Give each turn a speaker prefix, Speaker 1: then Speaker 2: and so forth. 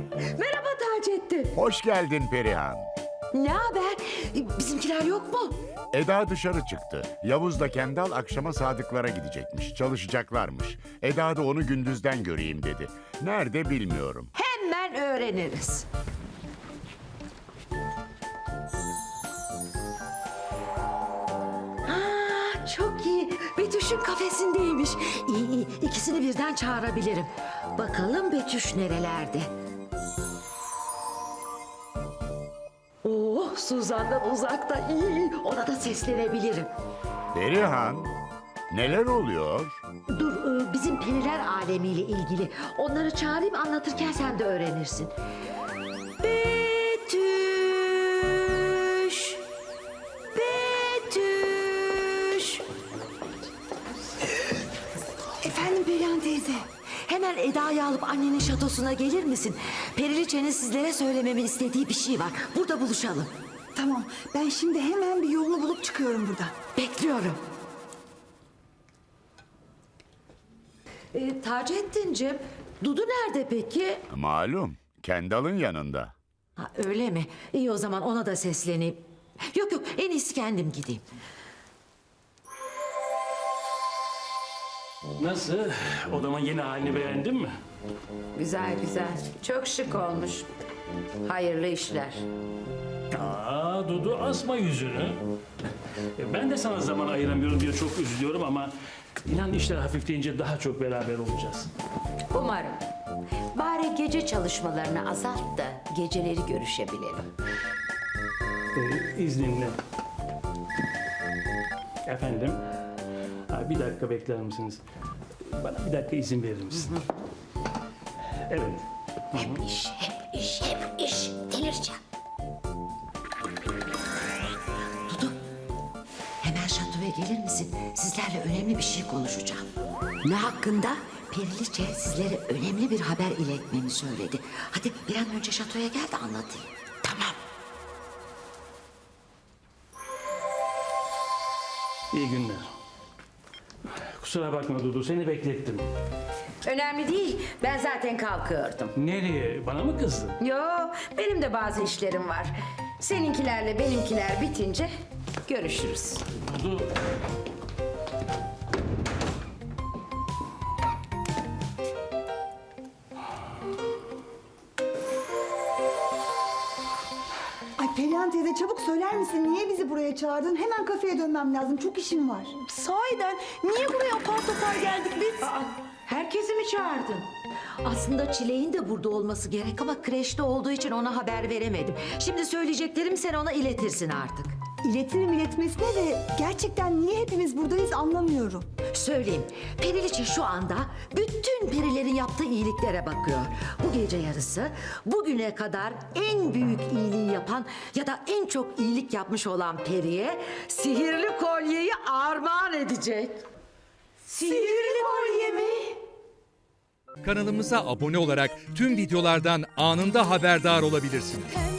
Speaker 1: Merhaba Taceddin.
Speaker 2: Hoş geldin Perihan.
Speaker 1: Ne haber? Bizimkiler yok mu?
Speaker 2: Eda dışarı çıktı. Yavuz da Kendal akşama Sadıklara gidecekmiş. Çalışacaklarmış. Eda da onu gündüzden göreyim dedi. Nerede bilmiyorum.
Speaker 1: Hemen öğreniriz. Çok iyi. Betüş'ün kafesindeymiş. İyi iyi. İkisini birden çağırabilirim. Bakalım Betüş nerelerde? Oh, Suzan'dan uzakta. İyi. Ona da seslenebilirim.
Speaker 2: Perihan, neler oluyor?
Speaker 1: Dur, bizim periler alemiyle ilgili. Onları çağırayım, anlatırken sen de öğrenirsin. Betüş! Betüş! Efendim Perihan teyze. Hemen Eda'yı alıp annenin şatosuna gelir misin? Periliçe'nin sizlere söylememi istediği bir şey var. Burada buluşalım.
Speaker 3: Tamam, ben şimdi hemen bir yolunu bulup çıkıyorum buradan.
Speaker 1: Bekliyorum. Taceddin'cim, Dudu nerede peki?
Speaker 2: Malum, Kendal'ın yanında.
Speaker 1: Ha, öyle mi? İyi, o zaman ona da sesleneyim. Yok yok, en iyisi kendim gideyim.
Speaker 4: Nasıl? Odamın yeni halini beğendin mi?
Speaker 5: Güzel güzel. Çok şık olmuş. Hayırlı işler.
Speaker 4: Aa Dudu, asma yüzünü. Ben de sana zaman ayıramıyorum diye çok üzülüyorum ama inan işler hafifleyince daha çok beraber olacağız.
Speaker 5: Umarım. Bari gece çalışmalarını azalt da geceleri görüşebilelim.
Speaker 4: İzninle. Efendim? Ha, bir dakika bekler misiniz? Bana bir dakika izin verir misin? Evet.
Speaker 5: Hep iş, hep iş, hep iş. Delireceğim.
Speaker 1: Dudu, hemen şatoya gelir misin? Sizlerle önemli bir şey konuşacağım. Ne hakkında? Periliçe sizlere önemli bir haber iletmemi söyledi. Hadi bir an önce şatoya gel de anlatayım. Tamam.
Speaker 4: İyi günler. Kusura bakma Dudu, seni beklettim.
Speaker 5: Önemli değil. Ben zaten kalkıyordum.
Speaker 4: Nereye? Bana mı kızdın?
Speaker 5: Yo, benim de bazı işlerim var. Seninkilerle benimkiler bitince görüşürüz.
Speaker 4: Dudu,
Speaker 3: Ay Perihan teyze çabuk söyler misin? Niye bizi buraya çağırdın? Hemen kafeye dönmem lazım. Çok işim var.
Speaker 1: Sahiden niye buraya apar topar geldik biz?
Speaker 5: Herkesi mi çağırdın?
Speaker 1: Aslında Çileğin de burada olması gerek ama kreşte olduğu için ona haber veremedim. Şimdi söyleyeceklerimi sen ona iletirsin artık.
Speaker 3: İletirim iletmesine de gerçekten niye hepimiz buradayız anlamıyorum.
Speaker 1: Söyleyeyim, Periliçe şu anda bütün perilerin yaptığı iyiliklere bakıyor. Bu gece yarısı bugüne kadar en büyük iyiliği yapan ya da en çok iyilik yapmış olan periye sihirli kolyeyi armağan edecek. Sihirli kolye mi?
Speaker 6: Kanalımıza abone olarak tüm videolardan anında haberdar olabilirsiniz.